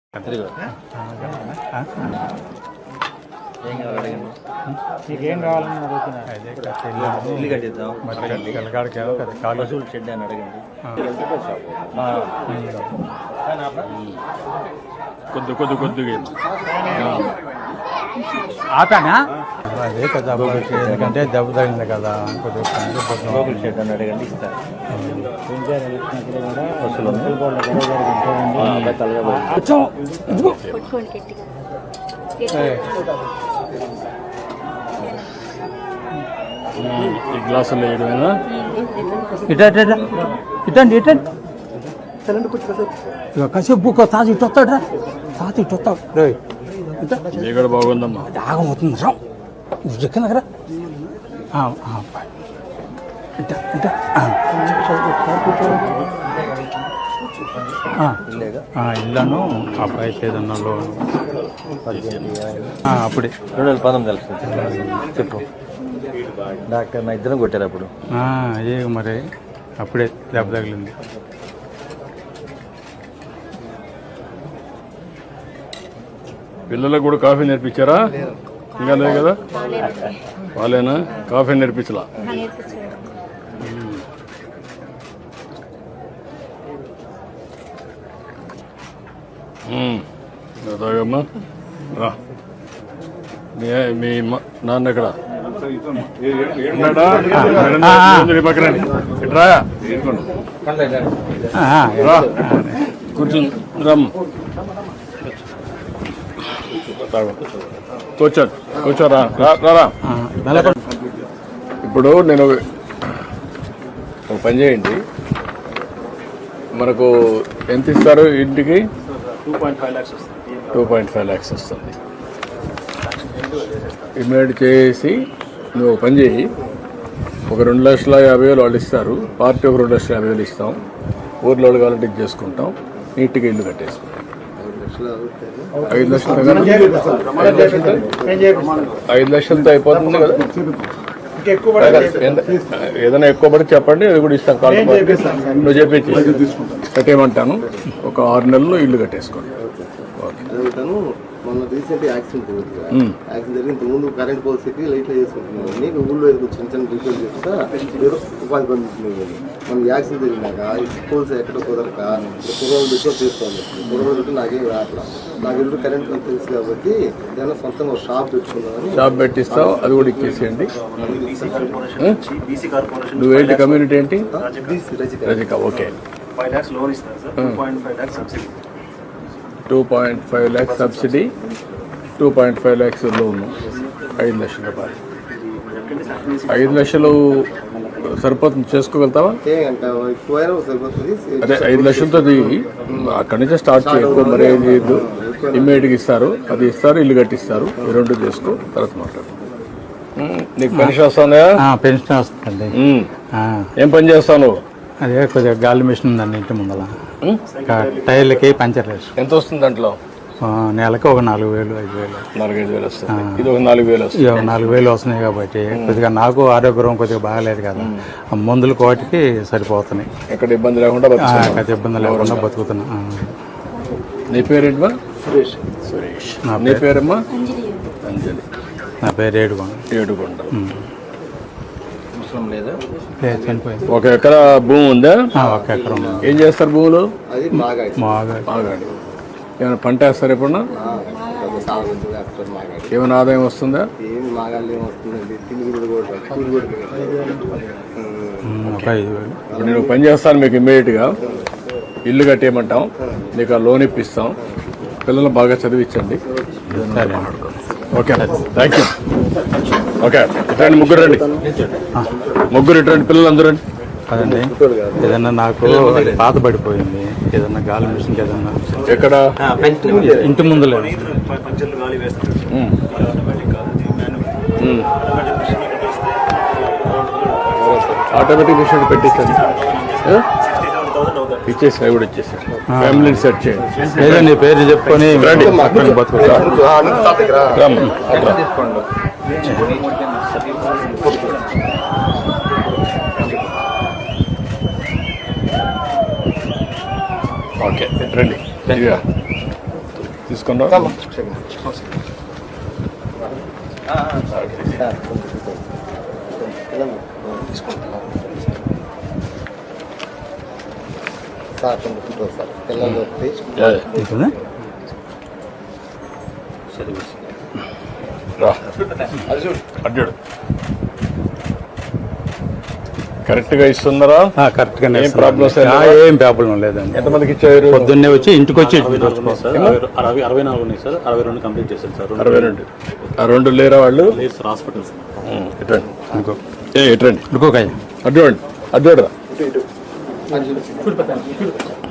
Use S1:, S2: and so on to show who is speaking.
S1: నీకేం కావాలని అడుగుతున్నా
S2: ఇల్లు కట్టిద్దాం పశువుల షెడ్ అని అడగండి.
S3: కొద్దిగా
S1: ఆపానా అదే కదా ఎందుకంటే దెబ్బ తగిలింది కదా
S2: పశువుల షెడ్ అని అడగండి, ఇస్తారు.
S3: ఈ గ్లాసులు వేయడమేనా?
S1: ఇటండి కాసేపు తాత ఇటు వస్తాడు రా, తాత ఇటు వస్తాడు రే.
S3: ఇక్కడ బాగుందమ్మా,
S1: ఆగమవుతుంది రా ఎక్కడ దగ్గర ఇల్లను అబ్బాయి ఏదన్నా లోన్ అప్పుడే
S2: 2019 తెలుస్తుంది. చెప్పు డాక్టర్ నా ఇద్దరం కొట్టారు అప్పుడు.
S1: అదే మరి అప్పుడే దెబ్బ తగిలింది.
S3: పిల్లలకు కూడా కాఫీ నేర్పించారా? ఇంకా లేదు కదా, వాళ్ళేనా కాఫీ నేర్పించలా? తాగమ్మా రా. మీ నాన్న ఎక్కడ పక్కన కూర్చుని రమ్ కూర్చోరా. ఇప్పుడు నేను ఒక పని చేయండి, మనకు ఎంత ఇస్తారు ఇంటికి? 2.5 lakhs వస్తుంది. ఇమ్మీడియట్ చేసి నువ్వు ఒక పని చేయి, ఒక 2,50,000 వాళ్ళు ఇస్తారు, పార్టీ ఒక 2,50,000 ఇస్తాం, ఊర్లో కావాలంటే ఇది చేసుకుంటాం, నీట్గా ఇల్లు కట్టేసుకుంటాం. 5 లక్షలతో అయిపోతుంది కదా. ఏదైనా ఎక్కువ పడి చెప్పండి, అది కూడా ఇస్తాం. నువ్వు చెప్పి కట్టేయమంటాను. ఒక 6 నెలల్లో ఇల్లు కట్టేసుకోండి.
S4: మొన్న రీసెంట్ యాక్సిడెంట్ జరిగిన ముందు కరెంట్ పోల్స్కి లైట్లో చేసుకుంటున్నాను. నీకు ఊళ్ళో చిన్న చిన్న రిపేర్ చేస్తా ఉపాధి పొందుతుంది. మన యాక్సిడెంట్ జరిగినాక పోల్స్ ఎక్కడ కుదరక కుర్రోలు పెట్టి తీసుకోవాలి. కుర్రోలు పెట్టి నాకేం రాట్లా. నాకు ఎప్పుడు కరెంట్ తెలుసు కాబట్టి ఏదైనా సొంతంగా ఒక షాప్ పెట్టుకున్నామని.
S3: షాప్ పెట్టిస్తావు, అది కూడా ఇచ్చేసేయండి. నువ్వేంటి కమ్యూనిటీ ఏంటి? రజిక. ఓకే,
S2: 5 lakhs లోన్ ఇస్తారు sir. 2.5 lakhs subsidy.
S3: 2.5 lakhs subsidy, 2.5 lakhs loan. 5 లక్షల రూపాయలు. 5 లక్షలు సరిపోతుంది, చేసుకోగలుగుతావా? అదే 5 లక్షలతో అక్కడి నుంచే స్టార్ట్ చేయకు. మరి ఏం చేయద్దు, ఇమ్మీడియట్గా ఇస్తారు, అది ఇస్తారు, ఇల్లు కట్టిస్తారు. ఈ 2 చేసుకో, తర్వాత మాట్లాడు. నీకు పెన్షన్ వస్తుందా?
S1: పెన్షన్ వస్తుంది.
S3: ఏం పని చేస్తావు?
S1: అదే కొద్దిగా గాలి మిషన్ ఉందండి ఇంటి ముందర, టైర్లకి పంచర్ వేసి.
S3: ఎంత వస్తుంది దాంట్లో?
S1: నెలకి ఒక 4,000 5,000
S3: 4,000 వస్తుంది. ఇది ఒక 4,000 వస్తుంది.
S1: 4,000 వస్తున్నాయి కాబట్టి కొద్దిగా నాకు ఆరోగ్యం కొద్దిగా బాగాలేదు కదా, మందులు కోటికి సరిపోతున్నాయి.
S3: ఎక్కడ ఇబ్బంది లేకుండా
S1: ఇబ్బంది లేకుండా బతుకుతున్నా.
S3: నీ పేరేంటమ్మా? సురేష్. నీ పేరమ్మా? అంజలి.
S1: నా పేరు ఏడుకొండ. చనిపోయింది.
S3: 1 ఎకరా భూమి ఉందా?
S1: 1 ఎకరం.
S3: ఏం చేస్తారు భూములు?
S1: మాగాడి.
S3: ఏమైనా పంట వేస్తారు ఎప్పుడన్నా? ఏమైనా ఆదాయం వస్తుందా? ఇప్పుడు నేను పని చేస్తాను, మీకు ఇమ్మీడియట్గా ఇల్లు కట్టేయమంటాం, నీకు ఆ లోన్ ఇప్పిస్తాం, పిల్లలు బాగా చదివించండి. Okay, thank you. ఓకే, ఇట్రండి, ముగ్గురు రండి. ముగ్గురు ఇట్రండి, పిల్లలు అందరూ రండి.
S1: అదండి, ఏదన్నా నాకు పాత పడిపోయింది, ఏదన్నా గాలి మిషన్ ఏదన్నా.
S3: ఎక్కడ?
S1: ఇంటి ముందులే.
S3: ఆటోమేటిక్ మిషన్ పెట్టించండి, ఇచ్చేసి అవి కూడా ఇచ్చేసారు. ఫ్యామిలీని సెట్ చేయండి.
S1: ఏదో నీ పేరు చెప్పుకొని బతుకుతా.
S3: ఓకే, రండి. తీసుకున్నా
S4: సార్ కొంచెం ఫోటో సార్ పిల్లలు వస్తే
S1: ఉంటుందా?
S3: రా అడ్డాడు కరెక్ట్గా ఇస్తున్నారా?
S1: కరెక్ట్గానే
S3: ఏం ప్రాబ్లమ్స్
S1: ఏం ప్రాబ్లం లేదండి.
S3: ఎంతమందికి ఇచ్చారు?
S1: పొద్దున్నే వచ్చి ఇంటికి వచ్చి
S5: 64 ఉన్నాయి సార్. 62 కంప్లీట్ చేశారు సార్.
S3: 62 ఆ 2 లేరా వాళ్ళు?
S5: లేదు సార్, హాస్పిటల్స్.
S3: ఎటండి
S1: ఇంకో
S3: ఎటండి
S1: ఇంకోకాయ
S3: అడ్డు అడ్డు రా
S4: ఇటు